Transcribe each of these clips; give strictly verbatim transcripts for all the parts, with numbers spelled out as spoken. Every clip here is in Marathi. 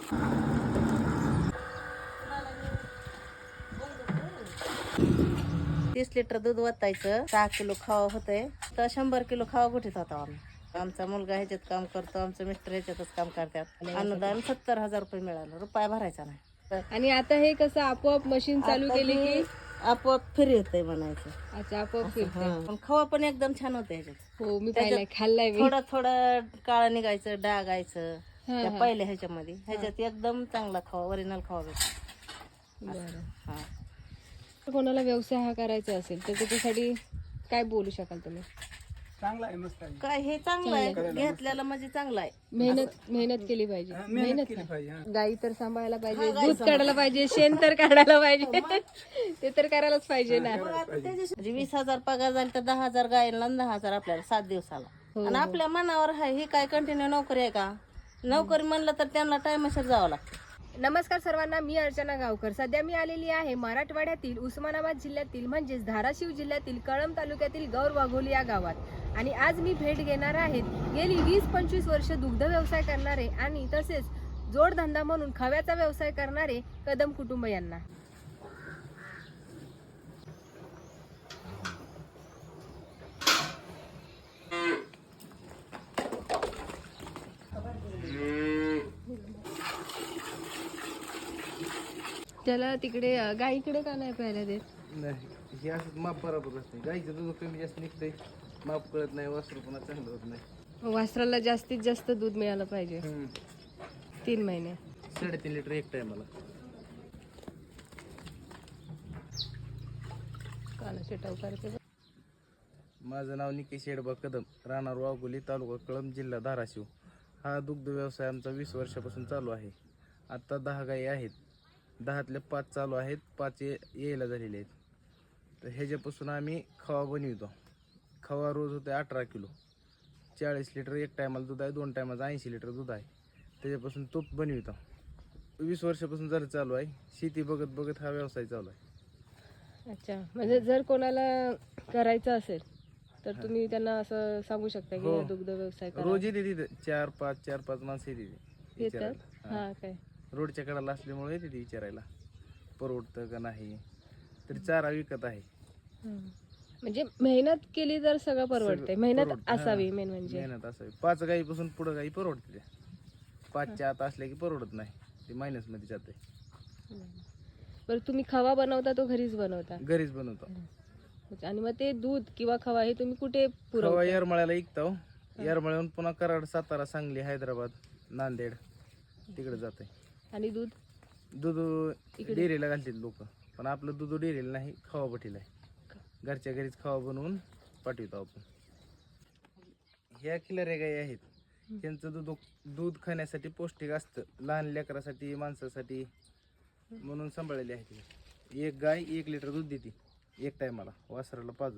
तीस लिटर दूध वतायचं, सहा किलो खावा होतंय तर शंभर किलो खावा गुठीत होता आम्ही. आमचा मुलगा ह्याच्यात काम करतो, आमचं मिस्टर ह्याच्यातच काम करतात. अनुदान सत्तर हजार रुपये मिळालं, रुपया भरायचा नाही. आणि आता हे कसं आपोआप मशीन चालू केली की आपोआप फ्री होतंय म्हणायचं. अच्छा, आपोआप फिरते. पण खवा पण एकदम छान होतं ह्याच्यात. हो, मी पाहिलाय, खाल्लाय मी. थोडं थोडं काळं निघायचं, डागायचं त्या पहिल्या ह्याच्यामध्ये. ह्याच्यात एकदम चांगला खवा, ओरिजिनल खवा भेटतो. बरं. हा, कोणाला व्यवसाय हा करायचा असेल तर त्याच्यासाठी काय बोलू शकाल तुम्ही? चांगला आहे, मस्त आहे. काय हे चांगलं आहे, घेतलेलं म्हणजे चांगलं आहे. मेहनत मेहनत केली पाहिजे. मेहनत केली पाहिजे. हा. गाई तर सांभाळायला पाहिजे, दूध काढायला पाहिजे, शेण तर काढायला पाहिजे. ते तर करायलाच पाहिजे ना. म्हणजे वीस हजार पगार झाला तर दहा हजार गायला आणि दहा हजार आपल्याला सात दिवसाला. आणि आपल्या मनावर आहे, ही काय कंटिन्यू नोकरी आहे का? नोकरी म्हणलं तर त्यांना टायमाशीर जावं लागतं. नमस्कार सर्वांना, मी अर्चना गावकर. सध्या मी आलेली आहे मराठवाड्यातील उस्मानाबाद जिल्ह्यातील म्हणजेच धाराशिव जिल्ह्यातील कळंब तालुक्यातील गौर वाघोली या गावात. आणि आज मी भेट घेणार आहेत गेली वीस पंचवीस वर्ष दुग्ध व्यवसाय करणारे आणि तसेच जोडधंदा म्हणून खव्याचा व्यवसाय करणारे कदम कुटुंब यांना. त्याला तिकडे गाईकडे का नाही प्यायला देत? नाही, हे असं माप बरोबर असते. गाईचं दूध कमी जास्त निघतंय, माप कळत नाही, वासरू पुन्हा चांगलं होत नाही. वासराला जास्तीत जास्त दूध मिळालं पाहिजे. तीन महिने साडेतीन लिटर एक टायमाला. कानाचे टवकार ते. माझं नाव निकेश येडबा कदम, राहणार वाघोली, तालुका कळंब, जिल्हा धाराशिव. हा दुग्ध व्यवसाय आमचा वीस वर्षापासून चालू आहे. आत्ता दहा गायी आहेत, दहातल्या पाच चालू आहेत, पाच यायला झालेले आहेत. तर ह्याच्यापासून आम्ही खवा बनवितो. खवा रोज होते अठरा किलो, चाळीस लिटर एक टायमाला दूध आहे, दोन टायमाचं ऐंशी लिटर दूध आहे. त्याच्यापासून तूप बनवितो. वीस वर्षापासून जर चालू आहे. शेती बघत बघत हा व्यवसाय चालू आहे. अच्छा, म्हणजे जर कोणाला करायचं असेल तर तुम्ही त्यांना असं सांगू शकता की दुग्ध व्यवसाय करा. रोज येते तिथे चार पाच चार पाच माणसं येते येतात. हा, काय रोडच्या कडाला असल्यामुळे येते ती विचारायला परवडतं का नाही. तर चारा विकत आहे. म्हणजे मेहनत केली तर सगळं परवडते. मेहनत असावी मेन म्हणजे. मेहनत असावी. पाच गाईपासून पुढं गाई परवडते त्या. पाचच्या आत असल्या की परवडत नाही, ते मायनस मध्ये जाते. बरं, तुम्ही खवा बनवता तो घरीच बनवता? घरीच बनवतो. आणि मग ते दूध किंवा खवा हे तुम्ही कुठे पुरवता? खवा येरमळ्याला विकतो. येरमळ्याहून पुन्हा कराड, सातारा, सांगली, हैदराबाद, नांदेड तिकडे जाते. आणि दूध दूध डेअरीला घालतात लोक, पण आपलं दूध डेअरीला नाही, खवा भटीला आहे. घरच्या घरीच खवा बनवून पाठवतो आपण. ह्या खिलाऱ्या गाई आहेत, त्यांचं दूध दूध खाण्यासाठी पौष्टिक असतं, लहान लेकरासाठी, माणसासाठी म्हणून सांभाळलेली आहे. एक गाय एक लिटर दूध देते एक टायमाला, वासराला पाजून.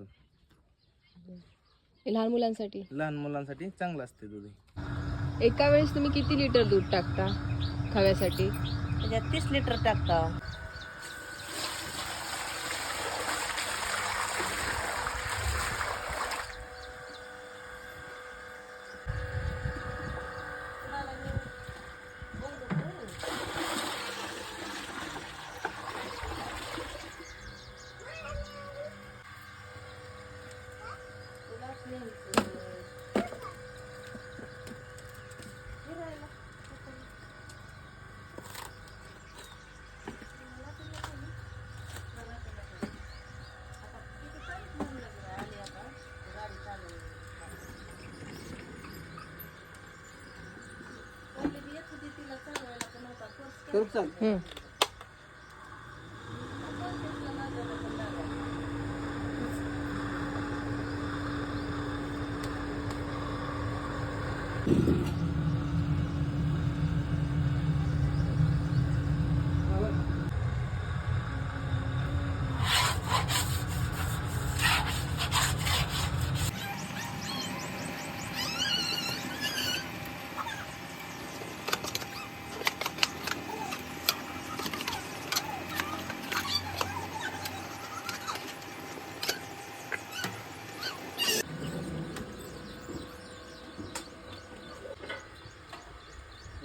लहान मुलांसाठी लहान मुलांसाठी चांगलं असते दूध. एका वेळेस तुम्ही किती लिटर दूध टाकता खव्यासाठी? त्याच्यात तीस लिटर टाकता. हम्म.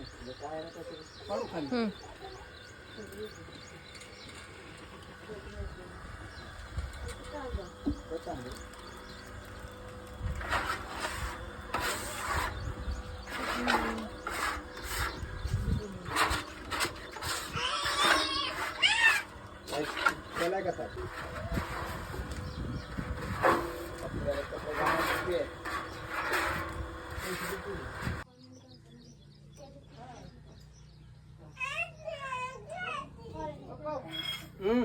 पाडू खाली. हम्म. त्याला का ताप? हम्म.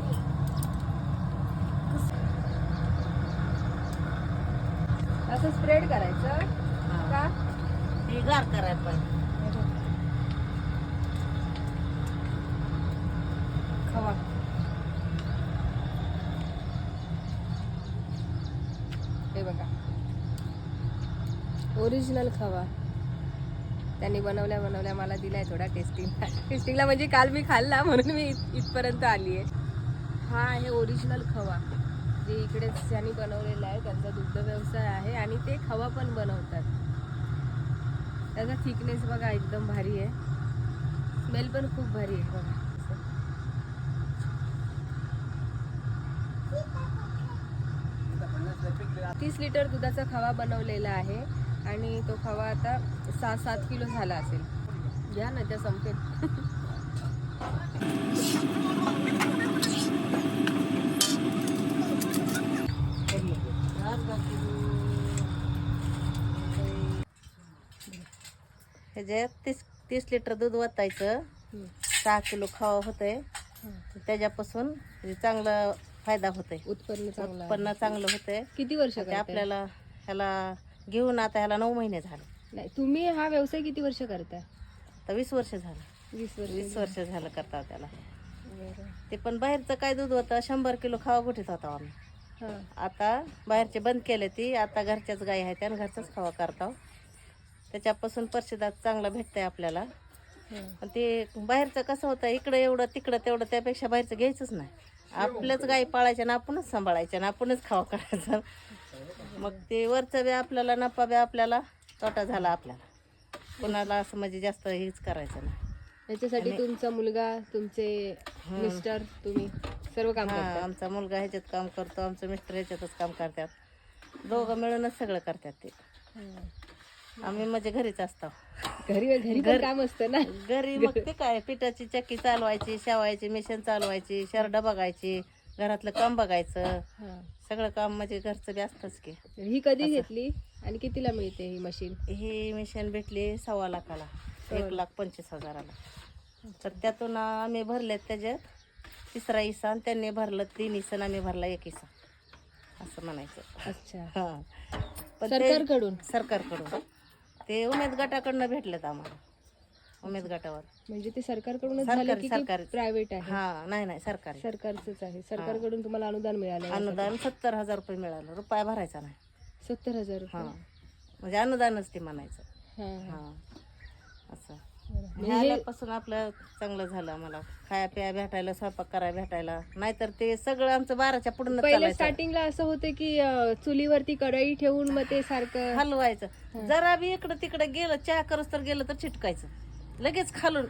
असं स्प्रेड करायचं का? हे गार करायला पाहिजे. खवा हे बघा, ओरिजिनल खवा त्यांनी बनवल्या बनवल्या मला दिलाय थोडा टेस्टिंगला. टेस्टिंगला म्हणजे काल मी खाल्ला म्हणून मी इत- इथपर्यंत आली आहे. हा आहे ओरिजिनल खवा, जे इकडेच त्यांनी बनवलेला आहे. त्यांचा दुग्ध व्यवसाय आहे आणि ते खवा पण बनवतात. त्याचा थिकनेस बघा एकदम भारी आहे, स्मेल पण खूप भारी आहे बघा. तीस लिटर दुधाचा खवा बनवलेला आहे आणि तो खवा आता सहा सात किलो झाला असेल. घ्या ना, त्या संपेल. ह्याच्यात तीस तीस लिटर दूध वतायचं, सहा किलो खावा होतंय. त्याच्यापासून म्हणजे चांगला फायदा होतोय, उत्पन्न चांगलं आहे. उत्पन्न चांगलं होतंय. किती वर्ष ते करताय? आपल्याला ह्याला घेऊन आता ह्याला नऊ महिने झाले. नाही, तुम्ही हा व्यवसाय किती वर्ष करताय? तर वीस वर्ष झालं. वीस वर्ष वीस वर्ष झालं करता त्याला. बरं. ते पण बाहेरचं काय दूध होतं, शंभर किलो खावा गुठीत होता आम्ही. हा. आता बाहेरचे बंद केले ती, आता घरच्याच गाय आहेत आणि घरचाच खावा करतो. त्याच्यापासून प्रसिद्धात चांगला भेटतंय आपल्याला. हा. पण ते बाहेरचं कसं होतं, इकडं एवढं तिकडं तेवढं, त्यापेक्षा बाहेरचं घ्यायचंच नाही. आपल्याच गाई पाळायच्या ना आपणच सांभाळायच्या ना आपणच खावा करायचं. मग ते वरचं बी आपल्याला नफा बी आपल्याला, तोटा झाला आपल्याला. कोणाला असं म्हणजे जास्त हेच करायचं नाही. याच्यासाठी तुमचा मुलगा, तुमचे मिस्टर, तुम्ही सर्व काम हा, करता? आमचा मुलगा ह्याच्यात काम करतो, आमचं मिस्टर ह्याच्यातच काम करतात. दोघं मिळूनच सगळं करतात ते. आम्ही म्हणजे घरीच असतो. घरी घरी पण काम असतं ना. घरी मग ते काय, पिठाची चक्की चालवायची, शेवायची मिशन चालवायची, शरडा बघायची, घरातलं काम बघायचं, हा. सगळं काम म्हणजे घरचं बी असतंच की. ही कधी घेतली आणि कितीला मिळते ही मशीन? ही मिशन भेटली सव्वा लाखाला, एक लाख पंचवीस हजाराला. तर त्यातून आम्ही भरलेत त्याच्यात तिसरा हिस्सा आणि त्यांनी भरलं तीन हिस्सा आणि आम्ही भरला एक हिस्सा, असं म्हणायचं. अच्छा. हा, पण ते सरकारकडून? सरकारकडून ते उमेद गटाकडनं भेटलेत आम्हाला, उमेद गटावर. म्हणजे ते सरकारकडूनच सरकारी- झाले की सरकारी. प्रायव्हेट आहे? हा, नाही नाही सरकारी सरकारचंच आहे. सरकारकडून तुम्हाला अनुदान मिळालं? अनुदान सत्तर हजार रुपये मिळालं, रुपया भरायचा नाही. सत्तर हजार हा, रुपये? म्हणजे अनुदानच ते म्हणायचं. हा, हा. हा, असं बरं. हे आल्यापासून आपलं चांगलं झालं. आम्हाला खाया प्या भेटायला, स्वयंपाक करायला भेटायला. नाहीतर ते सगळं आमचं बाराच्या पुढून पहिले स्टार्टिंगला असं होतं की अं, चुलीवरती कढई ठेवून मग ते सारखं हलवायचं. जरा बी इकडं तिकडं गेलं, चहा करस तर गेलं तर चिटकायचं, लगेच खालून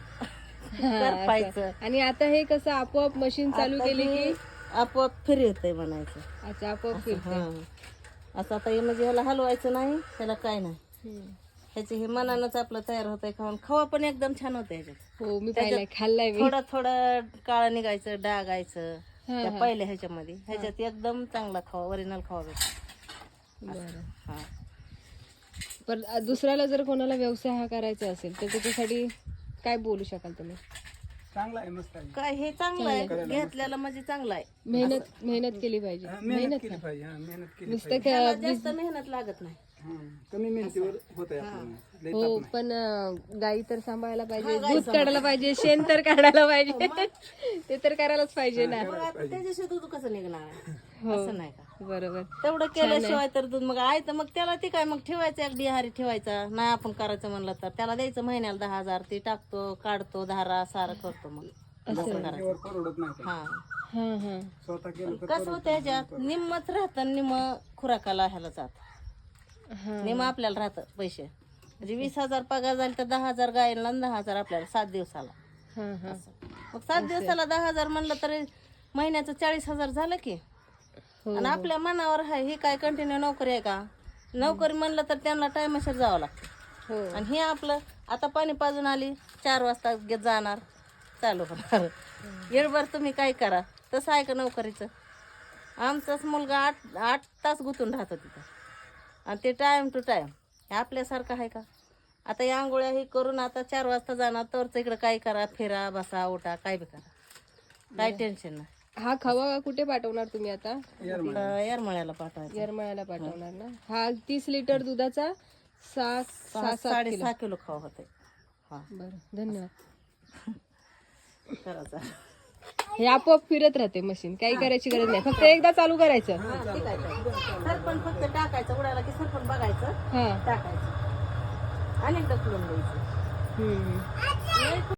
करपायचं. आणि आता हे कसं आपोआप मशीन चालू आता केली हे की आपोआप फिरी होतंय म्हणायचं. अच्छा, आपोआप फिरते. हा, असं आता हे म्हणजे ह्याला हलवायचं नाही, त्याला काय नाही. हम्म. ह्याचे हे मनानंच आपलं तयार होतंय खाऊन. खवा पण एकदम छान होतं ह्याच्यात. हो, मी पाहिलाय, खाल्लाय मी. थोडं थोडं काळं निघायचं, डागायचं हा, त्या हा. पहिल्या ह्याच्यामध्ये. ह्याच्यात एकदम चांगला खावा, ओरिजिनल खावा भेटतो. बरं. हा, पण दुसऱ्याला जर कोणाला व्यवसाय हा करायचा असेल तर त्याच्यासाठी काय बोलू शकाल तुम्ही? चांगला आहे, मस्त आहे. काय हे चांगलं आहे, घेतल्याला म्हणजे चांगलं आहे. मेहनत मेहनत केली पाहिजे. हा, मेहनत केली पाहिजे. हा, मेहनत केली नुसतं त्याला क- जास्त मेहनत लागत नाही. हा, कमी मेहनतीवर होत आहे आपलं. लय हो, ताप नाही. पण अं, गाई तर सांभाळायला पाहिजे, दूध काढायला पाहिजे, शेण तर काढायला पाहिजे. ते तर करायलाच पाहिजे ना. मग आता त्याच्याशिवाय दूध कसं निघणार आहे? असं नाही का? बरोबर. तेवढं केल्याशिवाय तर दूध मग आहे तर मग त्याला ते काय मग ठेवायचं, एक डिहारी ठेवायचा. नाही आपण करायचं म्हणलं तर त्याला द्यायचं महिन्याला दहा हजार. ते टाकतो, काढतो, धारा सारं करतो. मग असं करायचं. त्यावर परवडत नाही ते. हा, हा हा स्वतः केलं तर कसं होतं ह्याच्यात निम्मच राहतं, निम्म खुराकाला ह्याला जात, हा. निम्म आपल्याला राहतं पैसे. म्हणजे वीस हजार पगार झाले तर दहा हजार गायला आणि दहा हजार आपल्याला सात दिवसाला. हा हा मग सात दिवसाला दहा हजार म्हणलं तरी महिन्याचं चाळीस हजार झालं की. हो, आणि आपल्या मनावर आहे, ही काय कंटिन्यू नोकरी आहे का? नोकरी म्हणलं तर त्यांना टायमाशीर जावं लागतं. हो आणि हे आपलं आता पाणी पाजून आली चार वाजता गे- जाणार चालू होणार. येळभर तुम्ही काय करा तसं आहे का नोकरीचं? आमचाच मुलगा आठ आठ तास गुंतून राहतो तिथं आणि ते टाईम टू टाईम. हे आपल्यासारखं आहे का? आता या आंघोळ्या हे करून आता चार वाजता जाणार तरच इकडं काय करा, फिरा बसा उठा काय बी करा, काय टेन्शन नाही. हा खवा कुठे पाठवणार तुम्ही आता? इकडं येरमळ्याला पाठवायचं. येरमळ्याला पाठवणार ना. हा तीस लिटर दुधाचा सहा सहा सहा सात किलो. साडेसहा किलो खावा होते. हा बरं धन्यवाद. करायचं. हे आपोआप फिरत राहते मशीन, काही करायची गरज नाही, फक्त एकदा चालू करायचं. हा, ठीक आहे, ठीक आहे. सरपण फक्त टाकायचं, उडाला की सरपण बघायचं, हा टाकायचं आणि ढकलून द्यायचं. हम्म